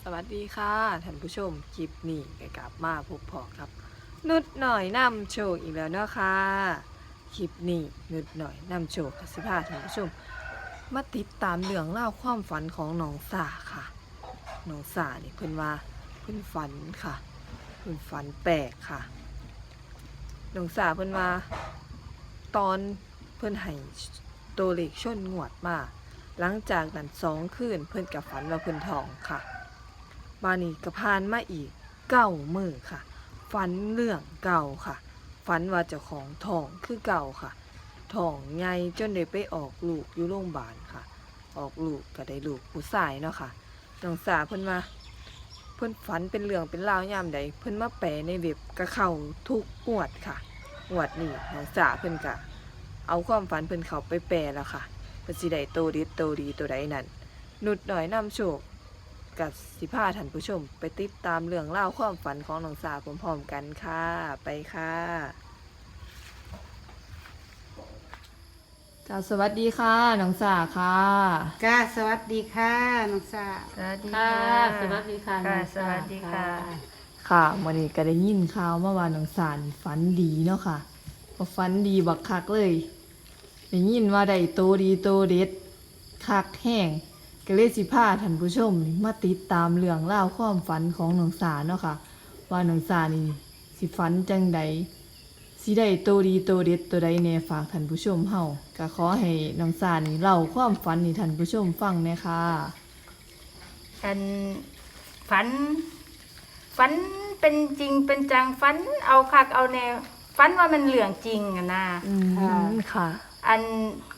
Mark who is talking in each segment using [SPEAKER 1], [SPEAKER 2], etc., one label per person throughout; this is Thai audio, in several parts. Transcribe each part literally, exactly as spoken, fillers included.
[SPEAKER 1] วัสดีค่ะท่านผู้ชมคลิปนี้ก็กลับมาพบพอครับนุดหน่อยนำโชคอีกแล้วเนาะค่ะคลิปนี้นุดหน่อยนำโชคกับสิพาท่านผู้ชมมาติดตามเรื่องเล่าวความฝันของน้องสาค่ะน้องสาเนี่ยเพิ่นว่าเพิ่นฝันค่ะเพิ่นฝันแปลกค่ะน้องสาเพิ่นว่าตอนเพิ่นให้ตัวเลขชนงวดมาหลังจากนั้นสองคืนเพิ่นกับฝันว่าเพิ่นทองค่ะ บานี้ก็ผ่านมาอีกเก้ามื้อค่ะฝันเรื่องเก่าค่ะฝันว่าเจ้าของท้องคือเก่าค่ะท้องใหญ่จนได้ไปออกลูกอยู่โรงพยาบาลค่ะ ออกลูกก็ได้ลูกผู้ชายเนาะค่ะน้องสาเพิ่นว่าเพิ่นฝันเป็นเรื่องเป็นราวยามใดเพิ่นมาแปลในเว็บก็เข้าทุกงวดค่ะงวดนี้น้องสาเพิ่นก็เอาความฝันเพิ่นเข้าไปแปลแล้วค่ะเพิ่นสิได้โตดีโตดีตัวใดนั่นนุดหน่อยนำโชค กับสิพาท่านผู้ชมไปติดตามเรื่องเล่าวความฝันของน้องสาวพร้อมๆกันค่ะไปค่ะจ้าสวัสดีค่ะน้องสาวค่ะ
[SPEAKER 2] จ้าสวัสดีค่ะน้องสา
[SPEAKER 1] สวัสดี
[SPEAKER 3] ค่ะ
[SPEAKER 1] ค่ะ
[SPEAKER 3] สวัสดีค่ะ
[SPEAKER 1] ค่ะ
[SPEAKER 3] น้อง
[SPEAKER 1] สวัสดีค่ะ
[SPEAKER 3] ค่ะ
[SPEAKER 1] ค่ะวันนี้ก็ได้ยินข่าวเมื่อวานน้องสารฝันดีเนาะค่ะก็ฝันดีบักคักเลยได้ยินว่าได้โตดีโตเด็ดคักแห้งก็เลยสิพาท่านผู้ชมมาติดตามเรื่องเล่าวความฝันของน้องสารเนาะค่ะว่าน้องสารนี่สิฝันจังใดสิได้โตดีโตเด็ดตัวใดแน่ฝากท่านผู้ชมเฮาก็ขอให้น้องสารนี่เล่าความฝันให้ท่านผู้ชมฟังแหน่ค่ะ
[SPEAKER 3] ฉันฝัน ฝันเป็นจริงเป็นจังฝันเอาคักเอาแนวฝันว่ามันเหลืองจริงอะนะ
[SPEAKER 1] อืมค่ะ
[SPEAKER 3] อัน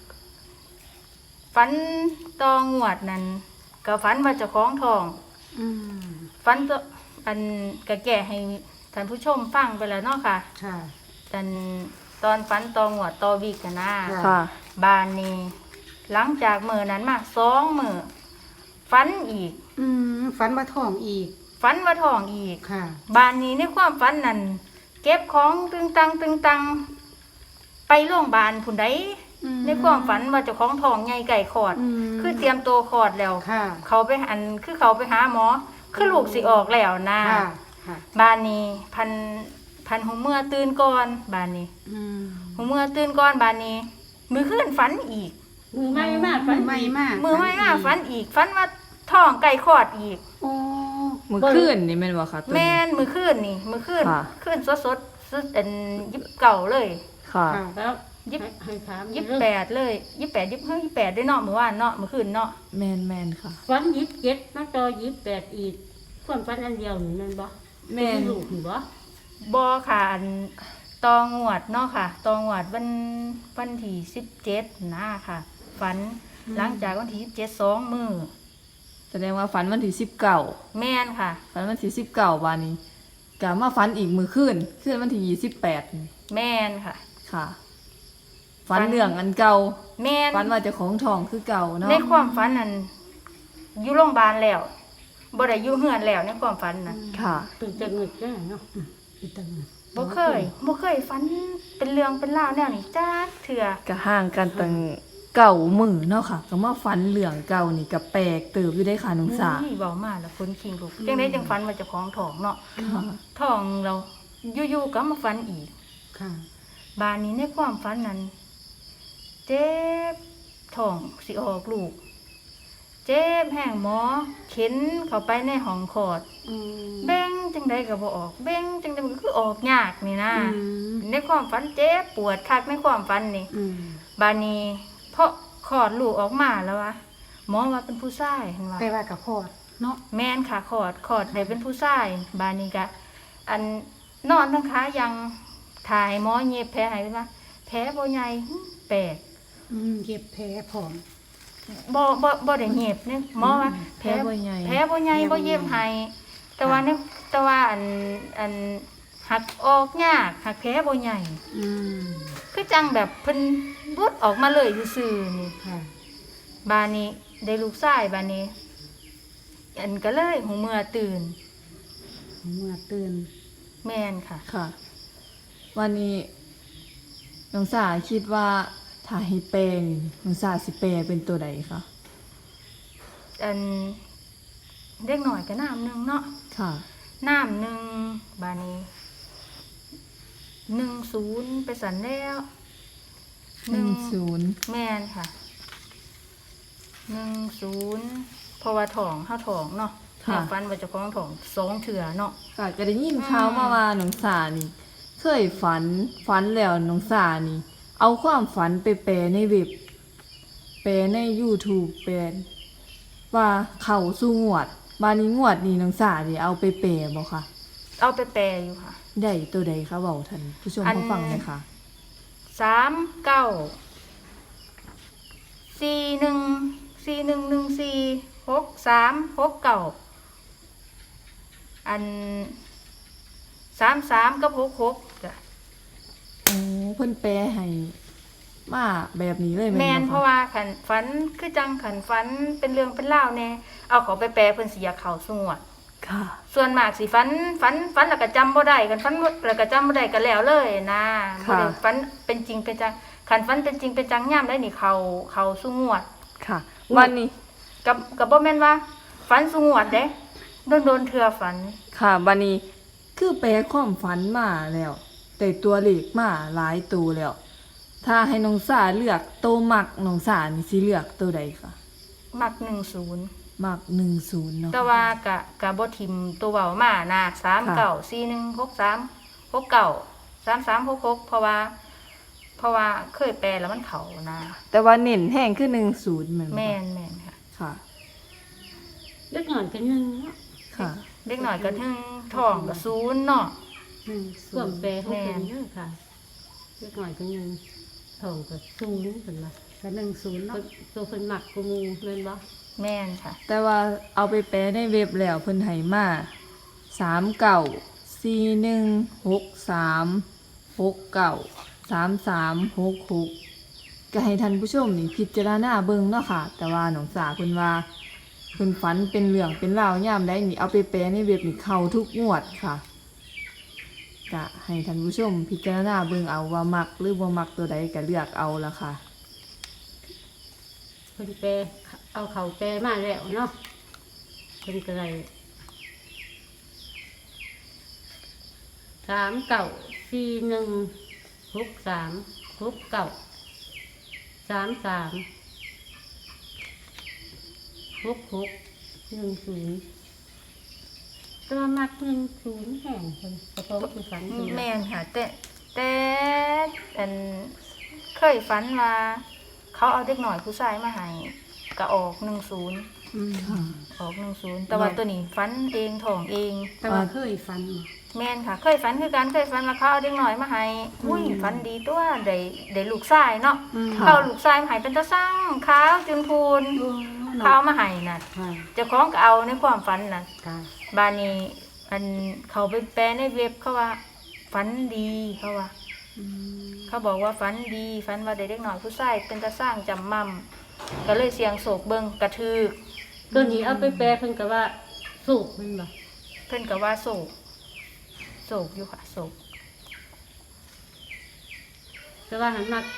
[SPEAKER 3] ฝันตองวดนั้นก็ฝันว่าเจะคล้าของทอง
[SPEAKER 2] อืม
[SPEAKER 3] ฝันตัวอันก็แก่ให้ท่านผู้ชมฟังไปแล้วเนาะค่ะ
[SPEAKER 2] ค่ะ
[SPEAKER 3] อันตอนฝันตองวดตอวีกันนะ
[SPEAKER 2] ค่ะ
[SPEAKER 1] ค่ะ
[SPEAKER 3] บานนี้ หลังจากมื้อนั้นมาสองมื้อฝันอีก
[SPEAKER 2] อืมฝันว่าท้องอีก
[SPEAKER 3] ฝันว่าท้องอีก
[SPEAKER 2] ค่ะ
[SPEAKER 3] บ้านนี้ในความฝันนั้นเก็บของตึงตังตึงตังไปโรงพยาบาลผุนใด
[SPEAKER 2] อืม
[SPEAKER 3] ในความฝันว่าเจ้าของท้องใหญ่ไก่คลอด
[SPEAKER 2] อืม
[SPEAKER 3] คือเตรียมตัวคลอดแล้ว
[SPEAKER 2] ค่ะ
[SPEAKER 3] เขาไปอันคือเขาไปหาหมอ คือลูกสิออกแล้วนะ
[SPEAKER 2] ค่ะค่ะ
[SPEAKER 3] บ้านนี้พันพันหูเมื่อตื่นก่อนบ้านนี้
[SPEAKER 2] อืม
[SPEAKER 3] หูเมื่อตื่นก่อนบ้านนี้ มือขึ้นฝันอีก
[SPEAKER 4] มือไม่มาก
[SPEAKER 2] มื
[SPEAKER 4] ฝั
[SPEAKER 2] อน ไม่มาก
[SPEAKER 3] มือไม่มากฝันอีกฝันว่าท้องไก่คลอดอีก
[SPEAKER 2] โอ้
[SPEAKER 1] มือคืนนี่แม่นบ่ค่ะตัว
[SPEAKER 3] แม่
[SPEAKER 1] นี้
[SPEAKER 3] นมือขึ้นนี่มือขึ้น
[SPEAKER 1] ค่ะ
[SPEAKER 3] ขึ้นสดสดสดอันยิบเก่าเลย
[SPEAKER 1] ค่ะ
[SPEAKER 2] ค่ะ
[SPEAKER 4] แล้ว
[SPEAKER 3] ยิบ
[SPEAKER 4] ให้ให้ถาม
[SPEAKER 3] ยี่สิบแปดเลยยี่สิบแปดยี่สิบห้ายี่สิบแปดได้เนาะเมื่อวานเนาะเมื่อคืนเนาะ
[SPEAKER 1] แมนแมนค่ะ
[SPEAKER 4] ฝันยิบเจ็ดมาต่อยิบแปดอีกความฝันอันเดียวนี่แมันบ่
[SPEAKER 1] แม่น
[SPEAKER 4] ลูกนี่บ่
[SPEAKER 3] บอค่ะอันตองวดเนาะค่ะตองวดวันวันที่สิบเจ็ดนะค่ะฝันหลังจากวันที่สิบเจ็ดสองมือ
[SPEAKER 1] แสดงว่าฝันวันที่สิบเก้า
[SPEAKER 3] แม่นค่ะ
[SPEAKER 1] ฝันวันที่สิบเก้าวันนี้กะมาฝันอีกมือคืนคืนวันที่ยี่สิบแปดนี่
[SPEAKER 3] แม่นค่ะ
[SPEAKER 1] ค่ะฝันเรื่องอันเก่า
[SPEAKER 3] แม่น
[SPEAKER 1] ฝันว่าเจ้าของทองคือเก่าเนาะ
[SPEAKER 3] ในความฝันนั้นอยู่โรงพยาบาลแล้วบ่ได้อยู่เฮือนแล้วในความฝันน่ะ
[SPEAKER 1] ค่ะ
[SPEAKER 4] ตื่นจากเงิดได้เนาะอืมตื่นจากเงิด
[SPEAKER 3] บ่เคยบ่เคยฝันเป็นเรื่องเป็นราวแนวนี้จักเทื่อ
[SPEAKER 1] ก็ห่างกันตั้งเก่ามือเนาะค่ะก็มาฝันเรื่องเก่านี่ก็แปลกเติบอยู่ได้ค่ะน้องสา
[SPEAKER 3] อุ้ยเบามาแล้วคนคิงลูกจังได้จังฝันว่าเจะของท้องเนาะ
[SPEAKER 1] ค่ะ
[SPEAKER 3] ท้องเราอยู่ๆก็มาฝันอีก
[SPEAKER 2] ค่ะ
[SPEAKER 3] บานนี้ในความฝันนั้นเจ็บท้องสิออกลูก เจ็บแห้งหมอเข็นเข้าไปในห้องคลอด
[SPEAKER 2] อืม
[SPEAKER 3] เบ้งจังใดก็บ่ออกเบ้งจังใดมันก็คือออกยากนี่นะ
[SPEAKER 2] อืม
[SPEAKER 3] ในความฝันเจ็บปวดคักในความฝันนี่
[SPEAKER 2] อืม
[SPEAKER 3] บานนี้เพราะคลอดลูกออกมาแล้ววะหมอว่าเป็นผู้ชายเห็นว่า
[SPEAKER 2] ไปว่ากับพอดเนาะ
[SPEAKER 3] แม่นค่ะขอดขอดได้เป็นผู้ชายบานนี้กะอันนอนทั้งขายังถ่ายหมอเย็บแผลให้ว่าแผลบ่ใหญ่หึแปลก
[SPEAKER 2] อืมเย็บแผลผอม
[SPEAKER 3] บ่บ่บ่ได้เย็บเนี่ยหมอว่า
[SPEAKER 1] แผลบ่ใหญ่
[SPEAKER 3] แผลบ่ใหญ่บ่เย็บให้แต่ว่าเนี่ยแต่ว่าอันอันหักออกยากหักแผลบ่ใหญ่
[SPEAKER 2] อืม
[SPEAKER 3] คือจังแบบเพิ่นรุดออกมาเลยซื่อๆนี่
[SPEAKER 2] ค่ะ
[SPEAKER 3] บานนี้ได้ลูกชายบานนี้ อันก็เลยหูเมื่อตื่น
[SPEAKER 2] เมื่อตื่น
[SPEAKER 3] แม่นค่ะ
[SPEAKER 1] ค่ะ วันนี้น้องสาคิดว่าถ้าให้แปลงน้องสาสิแปลเป็นตัวใดคะ
[SPEAKER 3] อันเด็กหน่อยก็น้ำหนึ่งเนาะ
[SPEAKER 1] ค่ะ
[SPEAKER 3] น้ำหนึ่งบานี้หนึ่งศูนย์ไปสันแล้ว
[SPEAKER 1] หนึ่งศูนย์
[SPEAKER 3] แม่นค่ะหนึ่งศูนย์เพราะว่าถองห้าถองเนาะแม่ฟันว่าเจะคล้าของถองสองเถื่อเนาะ
[SPEAKER 1] ค่ะก็ได้ยินข่าวมาว่าน้องสานี่ เคยฝันฝันแล้วน้องสานี่ เอาความฝันไปแปลในเว็บ แปลใน YouTube แปลว่าเข้าสู่งวด บานี้งวดนี้น้องสานี่เอาไปแปลบ่คะ
[SPEAKER 3] เอาไปแปลอยู่ค่ะ
[SPEAKER 1] ได้ตัวใดคะเว้าท่านผู้ชม
[SPEAKER 3] อัน
[SPEAKER 1] ผู้ฟังเลยค่ะ
[SPEAKER 3] สามเก้าสี่หนึ่งสี่หนึ่งหนึ่งสี่หกสามหกเก้าอันสามสามกับหกหกจ้ะ
[SPEAKER 1] โอ้เพิ่นแปลให้มาแบบนี้เลย
[SPEAKER 3] แม
[SPEAKER 1] แม่
[SPEAKER 3] น
[SPEAKER 1] น
[SPEAKER 3] เพ
[SPEAKER 1] บ่
[SPEAKER 3] ราะ
[SPEAKER 1] คะ
[SPEAKER 3] ว่าขันฝันคือจังขันฝันเป็นเรื่องเป็นเล่าวแน่เอาเขาไปแปลเพิ่นสิอยากเข้าสงวด
[SPEAKER 1] ค่ะ
[SPEAKER 3] ส่วนมากสิฝันฝันฝันแล้วก็จำบ่ได้กันฝันแล้วก็จำบ่ได้ก็แล้วเลยนะบ่ได้ฝันเป็นจริงเป็นจังขันฝันเป็นจริงเป็นจังย่ำได้นี่เขาเขาสงวด
[SPEAKER 1] ค่ะวันนี้
[SPEAKER 3] กับกับบ่แม่นว่าฝันสงวดเด้โดนโดนๆเทื่อฝัน
[SPEAKER 1] ค่ะบันนี้คือแปลความฝันมาแล้ว แต่ตัวเลขมาหลายตัวแล้ว ถ้าให้น้องสาเลือกตัวมักน้องสานี่สิเลือกตัวใดคะ
[SPEAKER 3] มักหนึ่งศูนย์
[SPEAKER 1] มักหนึ่งศูนย์เนาะ
[SPEAKER 3] แต่ว่ากะกะบ่ทิมตัวเว้ามานะสามเก้าสี่หนึ่งหกสามหกเก้าสามสามหกหกเพราะว่า เพราะว่าเคยแปลแล้วมันเข้านะ
[SPEAKER 1] แต่ว่าเน้นแห้งคือหนึ่งศูนย์เหมือน
[SPEAKER 3] แม่นแม่นค่ะ
[SPEAKER 1] ค่ะ
[SPEAKER 4] เล็กหน่อยกันยังเนาะ
[SPEAKER 1] ค่ะ
[SPEAKER 3] เด็กหน่อยก็ถึงท้องก็ศูนย์เนาะ
[SPEAKER 2] หนึ่ง
[SPEAKER 4] ค
[SPEAKER 2] ศู
[SPEAKER 4] วาม
[SPEAKER 2] นย์
[SPEAKER 4] แปลของเพิ่นเด้อค่ะเล็กหน่อยกันยังทองก็สูงเพิ่นว่า
[SPEAKER 2] กับหนึ่งศูนย์
[SPEAKER 4] เพิ่
[SPEAKER 2] เนาะ
[SPEAKER 4] นตัวเพิ่นมักกูมูแม่นบ่
[SPEAKER 3] แม่นค่ะ
[SPEAKER 1] แต่ว่าเอาไปแปลในเว็บแล้วเพิ่นให้มาสามเก้าสี่หนึ่งหกสามหกเก้าสามสามหกหกก็ให้ท่านผู้ชมนี่พิจารณาเบิ่งเนาะค่ะ แต่ว่าน้องสาเพิ่นว่าเพิ่นฝันเป็นเรื่องเป็นราวยามใดนี่เอาไปแปลในเว็บนี่เข้าทุกงวดค่ะก็ให้ท่านผู้ชมพิจารณาเบิ่งเอาว่ามักหรือบ่มักตัวใดก็เลือกเอาละค่ะ
[SPEAKER 4] เพิ่นแปลเอาเขาแปลมาแล้วเนาะเพิ่นก็ได้สามเก้าสี่หนึ่งหกสามหกเก้าสามสามหกหกหนึ่งศูนย์ตัวมักหนึ่งศูนย์แห่งคนกระโปรงคือฝันคือ
[SPEAKER 3] แม่นค่ะ แต่แต่อันเคยฝันว่าเขาเอาเด็กหน่อยผู้ชายมาให้ก็ออกหนึ่งศูนย์
[SPEAKER 2] อืม
[SPEAKER 1] ค่ะ
[SPEAKER 3] ออกหนึ่งศูนย์แต่ว่าตัวนี้ฝันเองท้องเอง
[SPEAKER 2] แต่ว่าเคยฟันบ่
[SPEAKER 3] แม่นค่ะ เคยฝันคือกันเคยฝันว่าเขาเอาเด็กหน่อยมาให้อุ้ยฝันดีตัวได้ได้ลูกชายเนาะ
[SPEAKER 2] อืม
[SPEAKER 3] เขาเอาลูกชายมาให้เป็นตาสร้างขาวจุนพูน
[SPEAKER 2] โอ้
[SPEAKER 3] เขา
[SPEAKER 2] เนาะ
[SPEAKER 3] เอามาให้น่ะ
[SPEAKER 2] ค่ะ
[SPEAKER 3] เจ้าของก็เอาในความฝันน่ะ
[SPEAKER 2] ค่ะ
[SPEAKER 3] บานนี้อันเขาไปแปลในเว็บเขาว่าฝันดีเขาว่า
[SPEAKER 2] อืม
[SPEAKER 3] เขาบอกว่าฝันดีฝันว่าได้เด็กหน่อยผู้ชายเป็นตาสร้างจำมั่มก็เลยเสียงโศกเบิงกระทึก
[SPEAKER 4] ตัวนี้เอาไปแปลเพิ่นก็ว่าสูบแมันบ่
[SPEAKER 3] เพิ่นก็ว่าโศกโศกอยู่ค่ะโศก
[SPEAKER 4] แต่ว่าหันมัก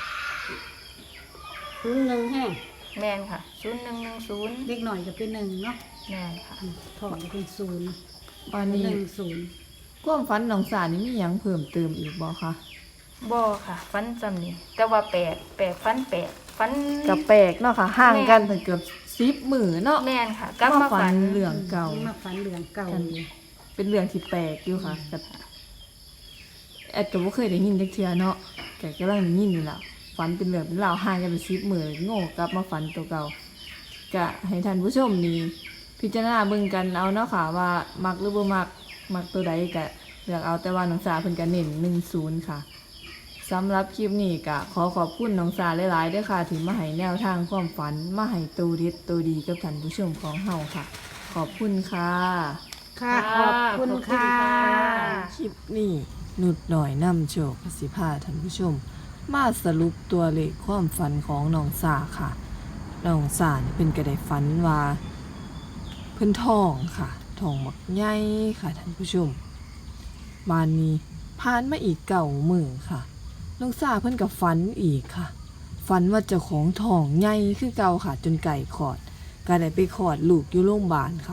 [SPEAKER 4] ศูนย์หนึ่งแห้ง
[SPEAKER 3] แม่นค่ะศูนย์หนึ่งหนึ่งศูนย์
[SPEAKER 2] เด็กหน่อยก็เป็นหนึ่งเนาะ
[SPEAKER 3] แม่นค่ะ
[SPEAKER 2] อืมทองก็เป็นศูนย์
[SPEAKER 1] วันนี้
[SPEAKER 2] หนึ่งศูนย์
[SPEAKER 1] ความฝันน้องสานี่มีหยังเพิ่มเติมอีกบ่คะ
[SPEAKER 3] บ่ค่ะฝันจำนี่แต่ว่าแปลกแปลกฝันแปลกฝัน
[SPEAKER 1] ก็แปลกเนาะค่ะห่างกันถึงเกือบสิบมื้อเนาะ
[SPEAKER 3] แม่นค่ะกลับมาฝัน
[SPEAKER 1] เรื่องเก่า
[SPEAKER 2] มาฝันเรื่องเก่า
[SPEAKER 1] กัน
[SPEAKER 2] อยู่
[SPEAKER 1] เป็นเรื่องที่แปลกอยู่ค่ะกับแอดก็บ่เคยได้ยินจักเทื่อเนาะแกกำลังได้ยินนี่ล่ะฝันเป็นเรื่องเป็นราวห่างกันเป็นสิบมื้อโง่กลับมาฝันตัวเก่าก็ให้ท่านผู้ชมนี่พิจารณาเบิ่งกันเอาเนาะค่ะว่ามักหรือบ่มักมักตัวใดก็เลือกเอาแต่ว่าน้องสาเพิ่นก็เน้นหนึ่งศูนย์ค่ะสำหรับคลิปนี้ก็ขอขอบคุณน้องสาหลายๆด้วยค่ะที่มาให้แนวทางความฝันมาให้ตัวเด็ดตัวดีกับท่านผู้ชมของเฮาค่ะ ขอบคุณค่ะ
[SPEAKER 2] ค่ะ ขอบคุณค่ะ
[SPEAKER 1] คลิปนี้หนุดหน่อยนำโชคสิพาท่านผู้ชม มาสรุปตัวเลขความฝันของน้องสาค่ะน้องสานี่เป็นกระไดฝันว่าเพิ่นทองค่ะทองบักใหญ่ค่ะท่านผู้ชมบานนี้ผ่านมาอีกเก่ามือค่ะน้องสาเพิ่นกับฝันอีกค่ะฝันว่าเจ้าของทองใหญ่คือเก่าค่ะ จนไก่ขอดก็ได้ไปขอดลูกอยู่โรงพยาบาลค่ะ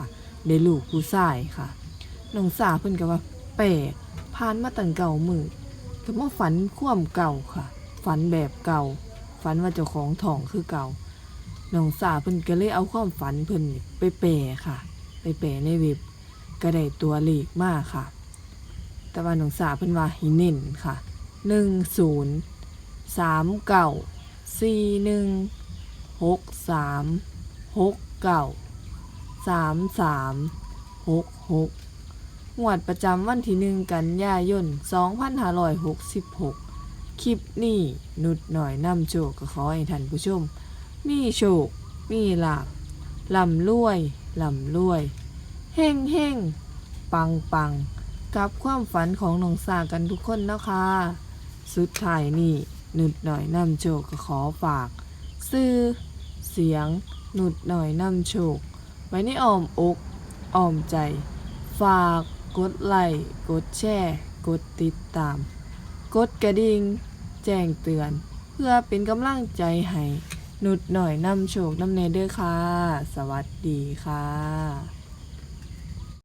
[SPEAKER 1] ได้ลูกผู้ชายค่ะน้องสาเพิ่นก็ว่าแปลกผ่านมาตั้งเก่ามือก็มาฝันความเก่าค่ะฝันแบบเก่าฝันว่าเจ้าของท้องคือเก่าน้องสาเพิ่นก็เลยเอาความฝันเพิ่นไปแปลค่ะไปแปลในเว็บก็ได้ตัวเลขมาค่ะ แต่ว่าน้องสาเพิ่นว่าให้เน้นค่ะหนึ่ง ศูนย์ สาม เก้า สี่ หนึ่ง หก สาม หก เก้า สาม สาม หก หกงวดประจำวันที่หนึ่งกันยายนสองพันห้าร้อยหกสิบหกคลิปนี้นุดหน่อยนำโชคก็ขอให้ท่านผู้ชมมีโชคมีลาภร่ำรวยร่ำรวยเฮงเฮงปังปังกับความฝันของน้องสากันทุกคนนะคะสุดท้ายนี่นุดหน่อยนำโชคก็ขอฝากซื้อเสียงนุดหน่อยนำโชคไว้ในอ้อมอกอ้อมใจฝากกดไลค์กดแชร์กดติดตามกดกระดิ่งแจ้งเตือนเพื่อเป็นกำลังใจให้นุดหน่อยนำโชคนำเนเด้อค่ะสวัสดีค่ะ